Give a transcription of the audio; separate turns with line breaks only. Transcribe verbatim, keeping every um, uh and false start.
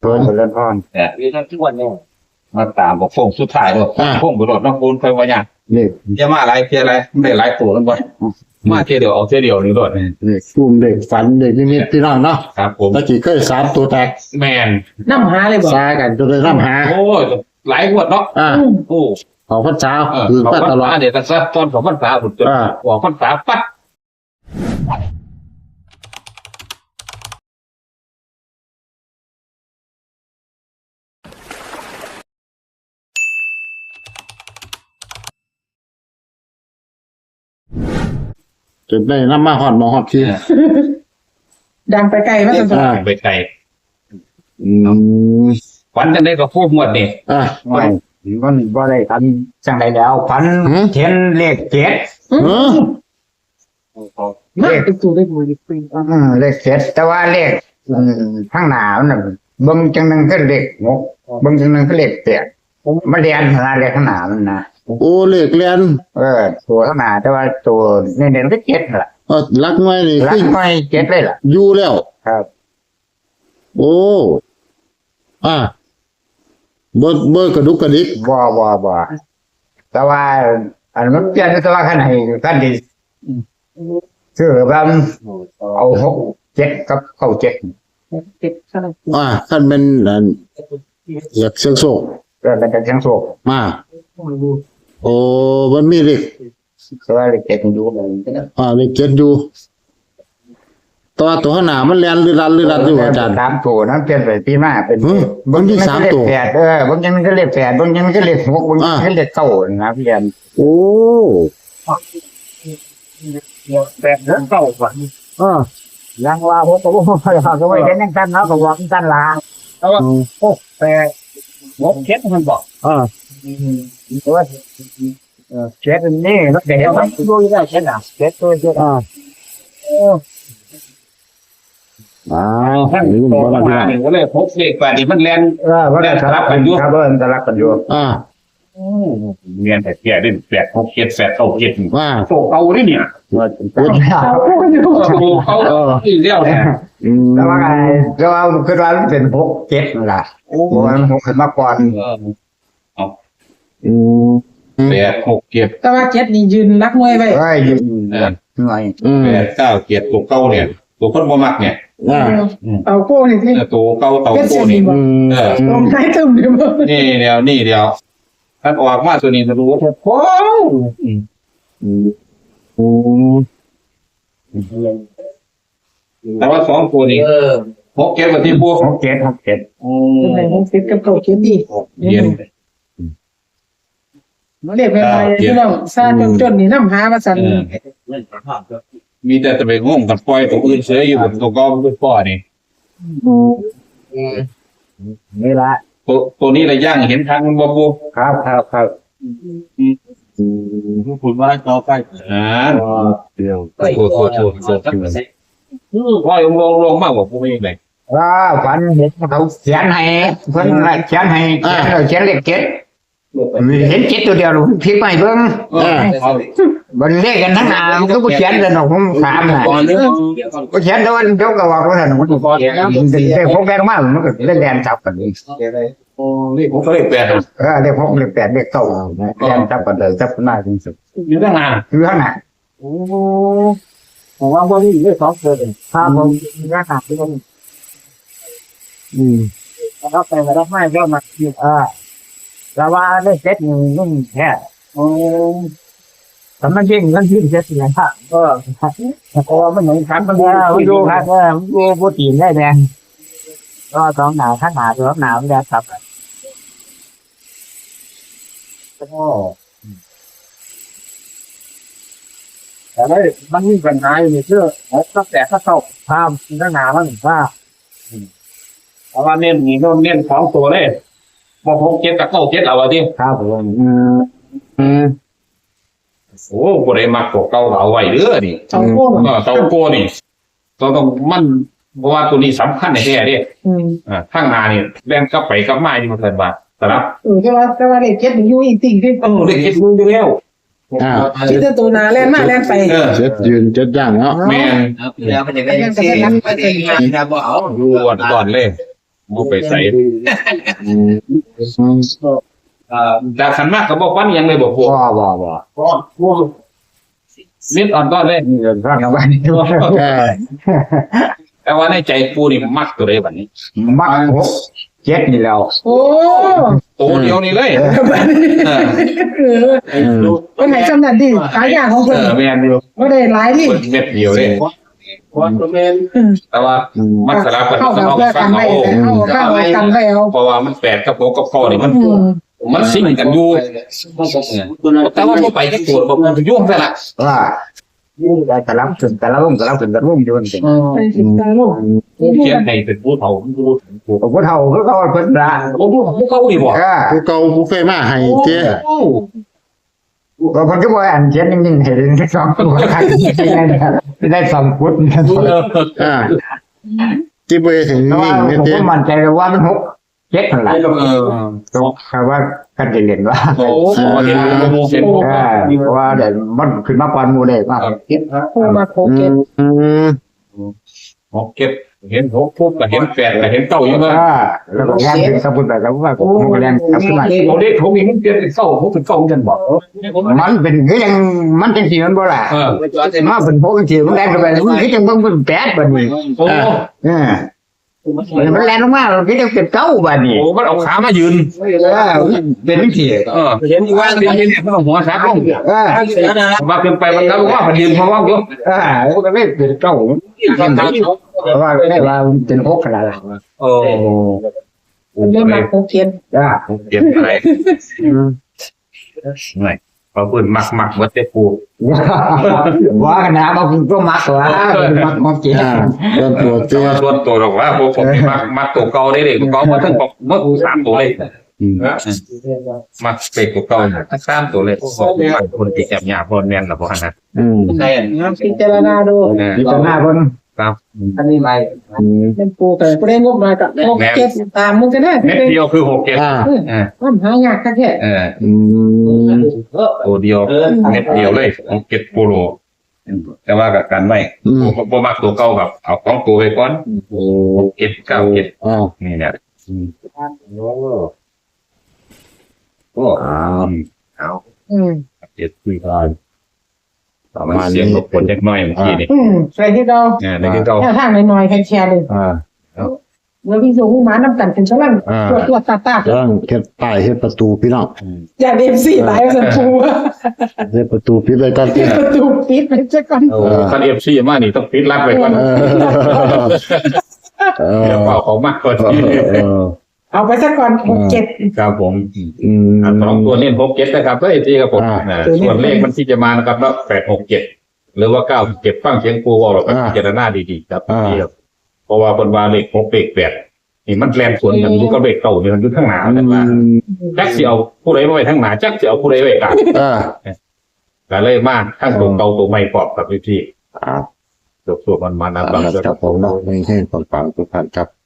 เพิ่นเล่นพร
แต่ที่ท่านทุกวันเนี่ยมาตามบอกฟงสุดท้ายบอกฟงบุรุษน้องบุญไปว่าอย่าง
นี่
จะมาอะไรเพียอะไรได้หลายตัวกันบ่มาเทียเดียวเอาเทียเดียวนี่รถนี่
นี่กลุ่มเด็กฝันเด็กนิมิตพี่น้องเนาะ
ครับผม
ตะกี้เคยสามตัวแตก
แมน
น้ำหาเลยบอก
ซากันจนได้น้ำหา
โอ้ยหลายงวดเนาะ
อ่า
โอ้
ของพระเจ้า
เออ
คือ
เขา
มา
พัน
ตลอด
ษาเดี๋ยวตั้งแต่ตอนของพันษาผมจน
อ่า
บอกพันษาปั๊ด
จนได้น้ำมาหอดหมอหอดที
ดังไปไกลมาสัน
อ่า
ไปไกล
อืม
ฝันจะได้ก็พูดหมดนี่
อ่า
ไม่มันบ่ได้ทันจังใดแล้วพัน
หืม
เขียนเลขเจ็ด
เออ
มากเป็นตัวได้บุญปี
อืมเลขเจ็ดแต่ว่าเลขอืมข้างหน้ามันน่ะเบิ่งจังนึงก็เลขหกเบิ่งจังนึงก็เลขแปดมาเรียนขนาดเลขข้างหน้ามันนะ
โอ้เลขเรียน
เออตัวข้างหน้าแต่ว่าตัวเน้นๆก็เจ็ดนั่นล่ะ
เออรักไว้นี่
รั
คื
ก
อ
ไม่เจ็ดเลยล่ะ
อยู่แล้ว
ครับ
โอ้อ่าเบิดเบิดกระดุกกระดิก
บ่บ่บ่แต่ว่า อันมันเปลี่ยนแต่ว่าคันให้คันที่ซื้อแบบเอาหกเจ็ดกับเก้าเจ็ด
เจ็ดขนาด
อ่าขั้นเป็นอันอยากเสียงโศก
ก็เป็นจังเสียงโศก
มาโอ้มันมีเลข
แต่ว่าเลขเจ็ดมันอยู่มัน
อ่าเลขเจ็ดอยู่ตัวตัวข้างหน้ามันเรียนหรือรันหรือรันอยู่อาจารย์
สามตัวนั้นเปลี่ยนไปปีหน้าเป็น
เฮ้ยบางทีสามตัว
เลขแปดเออบางทีมันก็เลขแปดบางทีมันก็เลขหกบางทีมันก็เลขเก้านะพี่ยัน
โอ้
แปดเรื่องเก้าก่อน
อ่า
ยังว่าผมก็บอกว่าก็ไม่เห็นยังสั้นนะก็บอกสั้นละ
แต่ว่าโอ้แต่หกเจ็ดมันบอก
อ่า
เพราะว่าเออเช็ดนี่รถเก๋งมันดูได้เช็ดอ่ะเช็ดตัวเช็ด
อ่าอ้าว
ท่าน
นี่มัน
โต
บ่
มา
ได้
หนึ่งก็เลยพกเลขแปดนี่มันแลน
เออว่าได้สลับกันอยู่ครับเออสลับกันอยู่
อ่า
เรียนแต่แก่ดิ้นแปดหกเจ็ดแปดเก้าเจ็ด
ว่า
โตเก่าดิเนี่ย
ว่า
เขาพูดอยู่
โตเก่าอีเลี้ยวเนี่ย
อืม
แต่ว่าไงแต่ว่าคือว่ามันเป็นหกเจ็ดนั่นล่ะ
โอ้
เพราะว่ามันหกขึ้นมาก่อน
อืม
แปดหกเจ็ด
แต่ว่าเจ็ดนี่ยืนรักมวยไป
เอ้ยยืนหน่อย
อืม
แปดเก้าเจ็ดตัวเก่าเนี่ยตัวคนบ่มักเนี่ย
อ่า
เอาโก้นี่ที่
ตัวเก่าเต่า
เป็น
โต
เสียง
นี่
ดีบ่
อืม
เออ
ลงท้ายตึมเดียว
นี่เดียวนี่เดียวท่านออกมาตัวนี้จะรู้ว่าโอ้
อืมอืม
แต่ว่าสองตัวนี้หกเจ็ดกับที่พวก
หกเจ็ดหกเจ็ด
เป็นไงหกสิบกับเก้าเจ็ดดี
เย็น
เรียกเป็นไงพี่น้องซาจนจนนี่น้ำหามาสั่น
มีแต่จะไปงงกันปล่อยตัวอื่นเสียอยู่บนตัวก็ไม่ปล่อยนี่
นี่ละ
ตัวตัวนี้ระย่างเห็นทางมันบ่บู
ครับครับครับ
คุณว่าต่อไปอ่า
เดียว
โทษโทษโทษโทษว่าลงลงลงมากกว่าผู้ไม่ไหน
ว่าฝันเห็นเขาเขียนให้เพิ่นเขียนให้เขียนเขียนเลขเจ็ดเห็นเจ็ดตัวเดียวพลิกไปเบิ่ง
อ่า
บนเลขกันทั้งหนามันก็บ่เขียนเลยเนาะผมถามน่ะก็เขียนแต่ว่าเจ้าก็ว่าว่าซั่นมันก็เขียนเลขพกแบงมามันก็เล่นแดนจับกันนี่
นี่ผมก็เลยแปล
เออเลขพกเลขแปดเลขเก้าแดนจับกันเลยจับกันได้จริงสุด
อยู่ตั้งนาน
คือข้างหน้า
ผมว่าพวกนี้ได้สองเดือน
ถ้าผมข้างหน้าที่ผม
อืม
รับไปรับไม่ก็มาเออแต่ว่าเลขเจ็ดนี่มันแท้โอ้แต่มันยิ่งมันยิ่งเจ็ดสิครับก็เพราะว่ามันเหมือนกันมันมันดูครับเออมันดูโปรตีนได้แดงก็สองหนาวข้างหนาวตัวหนาวมันจะครับก็แต่ว่ามันมีปัญหาอยู่ในเชื่อตั้งแต่ข้าเข้าภาพข้างหนาวมันว่า
เพราะว่าเน้นนี่ก็เน้นสองตัวเลยบ่หกเจ็ดกับเก้าเจ็ดเอาไว้ดิ
ครับผม
อืมอืม
โอ้บ่ได้มักตัวเก่าเอาไว้เด้อนี่
เอาโก้
เออเตาโกนี่ต้องต้องมันเพราะว่าตัวนี้สำคัญในแท้ดิ
อืม
อ่าข้างหน้านี่แล่นกลับไปกลับมาอยู่มันเถิดบาทสลับ
เออแต่ว่าแต่ว่าเด็กเจ็ดนี่อยู่อีกสิ่งที่
เออได้เก็บมืออยู่แล้ว
อ่า
คิดแต่ตัวนาแล่นมาแล่นไป
เออ
เจ็ดยืนเจ็ดย่างเนาะ
แม่น
แล้วมันจะได้ยังไงมันจะยังไงนะบ่เอา
อยู่ก่อนก่อนเลยบ่ไปใส่
อืม
อ่าดาขันมากก็บอกว่ายังเลยบอกพวก
บ่บ่บ่
พวกเม็ดอ่อนก็เลย
นี่เรื่องฟังกันว่านี่
เออ
แต่ว่าในใจปูนี่มักตัวเลยแบบนี้
มักหกเจ็ดนี่แล้ว
โอ้
ตัวเดียวนี่เลยเออ
เออวันไหนจำนั้นดิขายยาของ
เอ
เพิ่น
อแม่นอยู่
บ่ได้หลายดิ
เปิดเม็ดเดียวเลยแต่ว่ามันสลับกัน
เข้า
ข้าง
กับ
นอก
เพื่อ
ฟั
กั
ง
น
เอา
ไว้เข้าเข้ากันไว้เอา
เพราะว่ามันแปดกับหกกับข้อนี่มัน
อืม
มันซิ่งกันอยู่แต่ว่าพอไปที่ตรวจผมมันยุ่งซะละ
ว่าแต่ละถึงแต่ละวงแต่ละถึงแต่ละวงอยู่จริง
ไปสิตาลูก
เขียนให้เป็นผู้เฒ่าผู้ผู้
ผมก็เท่าก็เขาเพิ่นละ
ผู้ผู้เขาดีบ่
เออ
ผู้เก่าผู้เคยมาให้เจ้
ก็คนก็บ่อันเขียนนิ่งๆให้ได้สองตัวคักจริงๆนะครับได้สองฟุต
อ่าที่บ่ได้ถึง
เพราะ
นิ่
ว่าง
เนี่ย
ผม
เจ้
ก็มั่นใจว่ามันหกเจ็ดนั่นแหละ
เออ
ก็คือว่ากันเรียนว่า
โอ้โหเห็นโมเห็น
เออเพราะว่าเดี๋ยวมันขึ้นมาก่อนหมู่ได้ว่า
โอ้มาโคเกต
อืม
หกเก็บเห็นหกปุ๊บก็เห็นแปดก็เห็นเก้าอยู่เลย
เออแล้วก็แรงขึ้นสมบูรณ์แบบแล้วว่าผมก็แรงกลับขึ้นมา
เราเด็กเขามีมันเปลี่ยนเป็นเก้าหกเป็นเก้ากันบอก
มันเป็นคือยังมันจังสีมันบ่ล่ะ
เออ
มาเป็นพวกจังสีมันแรงขึ้นไปมันคือจังมันเป็นแปดบัดนี้
โอ้
เออมันแรงลงมาเราคือจังเป็นเก้าบัดนี้
โหมันเอาขามายืน
เออเป็นจังสี
เออเห็นว่าเป็นยังไงมันเอาหัวขาลง
เออ
ว่าเป็นไปมันก็ว่ามันยืนเพราะว่าอยู่
เออมันไม่เป็นเก้าเพราะว่าไม่ว่าเป็นหกขนาดนั้น
โอ้
เริ่มมาโคเกต
อ่า
เปลี่ยนอะไรหน่อยเขาเปิดมักมักวัดเตปู
ว่ากันนะบางคนก็มักว่ามักมักจริง
อ่าเริ่มตัวเจ้
ส่วนตัวหรอกว่าพวกผมมักมักตัวเก่าได้เลยตัวเก่ามาทั้งปกเมื่อสามตัวเลย
อืม
มักเป็กตัวเก่าทั้งสามตัวเลยพวกคนติดแอบหยาพอนแมนหรอพวกนั้น
อืม
ใช่
พิจารณาดู
พิจารณาเบิ่ง
ครับ
อันนี้ไม่
อืม
เป็นปูแต่บ่ได้งบมากับโคเกตตามมึงก็ได้
เม็ดเดียวคือหกเจ็ด
อ่า
อ่า
มันหายากแค่
เออ
อืม
ตัวเดียวเม็ดเดียวเลยหกเจ็ดโปโลแต่ว่ากับการไม่
อืม
ผมผมมักตัวเก่ากับเอาของตัวไปก่อน
โอ้
เจ็ดเก้าเจ็ด
อ่า
นี่เนี่ยโอ้
อ่า
เอา
อืม
เจ็ดคุยกันต่อมาเสียงรบกวนเล็กน้อยเมื่อกี้นี่
อืมใส่ที่เรา
เนี่ยในที่เก่า
แค่ทางน้อยๆแค่แชร์เลย
อ่า
เมื่อพี่สูงหมาน้ำกันเป็นชั่วโมง
อ่า
ตัวตัวตาตา
เรื่องเฮ็ดป้ายเฮ็ดประตูพี่น้อง
อย่าเดมสี่หลายมันปู
เฮ็ดประตูปิดไว้ก่อนติ
ประตูปิดไปซะก่อน
โอ้คันเอฟซีมานี่ต้องปิดรับไปก่อน
เออเออ
เดี๋ยวเป่าเขามากกว่านี้
เออ
เอาไปซะก่อนหกเจ็ด
ครับผม
อืม
อ่ะสองตัวเน้นหกเจ็ดนะครับเพื่อที่ครับผม
อ่า
อ่าส่วนเลขมันที่จะมานะครับแล้วแปดหกเจ็ดหรือว่าเก้าเจ็ดฟังเสียงปูวอลเราก็
อ่า
พิจารณาดีๆครับ
อ่า
นี่ครับเพราะว่าคนว่าเลขหกเลขแปดนี่มันแรงส่วนกันอยู่กับเลขเก่าเนี่ยมันอยู่ทั้งหนา
อื
แต่ว่าม จักสิเอาผู้ใดมาไว้ทั้งหนาจักสิเอาผู้ใดไว้กลาง
อ่า
ก็เลยมาทั้งตัวเก่าตัวใหม่ปอบกับพี่
อ่า
ๆตัวๆมันมานะบาง
ครับผมเนาะให้ให้ฟังๆทุกท่านครับ